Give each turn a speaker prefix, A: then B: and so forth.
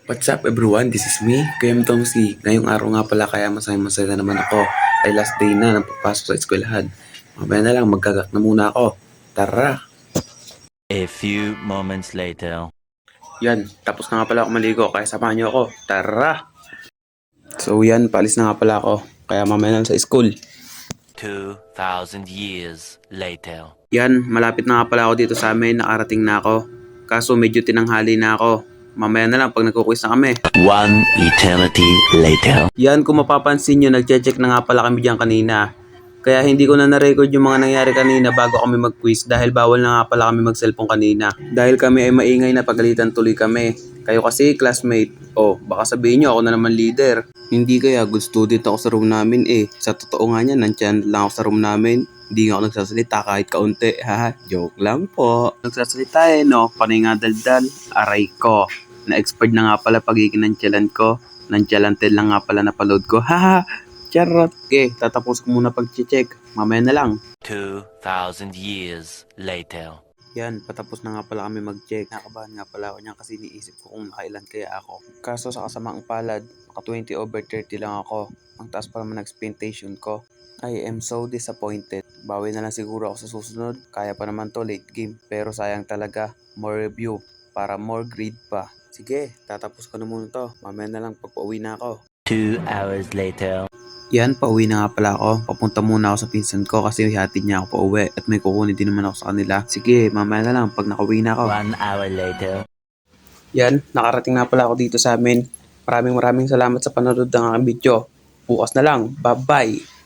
A: What's up everyone? This is me, Kuya Tomsi. Ngayong araw nga pala kaya masaya naman ako. Ay last day na ng pagpasok sa eskwelahan. Mamaya na lang magkagak na muna ako. Tara!
B: A few moments later.
A: Yan, tapos na nga pala ako maligo kaya samahan niyo ako. Tara! So yan, paalis na nga pala ako. Kaya mamaya na lang sa school.
B: 2,000 years later.
A: Yan, malapit na nga pala ako dito sa amin. Nakarating na ako. Kaso medyo tinanghali na ako. Mamaya na lang pag nagkukwis na kami.
B: One eternity later.
A: Yan, kung mapapansin nyo, nagche-check na nga pala kami dyan kanina. Kaya hindi ko na na-record yung mga nangyari kanina bago kami mag-quiz dahil bawal na nga pala kami mag-cellphone kanina. Dahil kami ay maingay na pagalitan tuloy kami. Kayo kasi classmate. Oh, baka sabihin nyo ako na naman leader. Hindi kaya good student ako sa room namin eh. Sa totoo nga niyan, nandyan lang ako sa room namin. Hindi nga ako nagsasalita kahit kaunti. Ha, joke lang po. Nagsasalita eh no, panay nga daldal. Aray ko. Na-expert na nga pala pagiging nantyalan ko. Nantyalanted lang nga pala napaload ko. Haha, charot. Okay, tatapos ko muna pag-check. Mamaya na lang.
B: 2,000 years later.
A: Yan, patapos na nga pala kami mag-check. Nakabahan nga pala ako niyan kasi iniisip ko kung nakailan kaya ako. Kaso sa kasamaang palad, naka 20/30 lang ako. Ang taas pa naman ng expectation ko. I am so disappointed. Bawi na lang siguro ako sa susunod. Kaya pa naman to late game. Pero sayang talaga, more review para more grade pa. Sige, tatapos ko na muna to. Mamaya na lang pagpa-uwi na ako.
B: 2 hours later.
A: Yan, pauwi na nga pala ako. Papunta muna ako sa pinsan ko kasi hatid niya ako pauwi at may kukunin din naman ako sa kanila. Sige, mamaya na lang pag nakauwi na ako.
B: 1 hour later.
A: Yan, nakarating na pala ako dito sa amin. Maraming salamat sa panonood ng aking video. Bukas na lang. Bye-bye!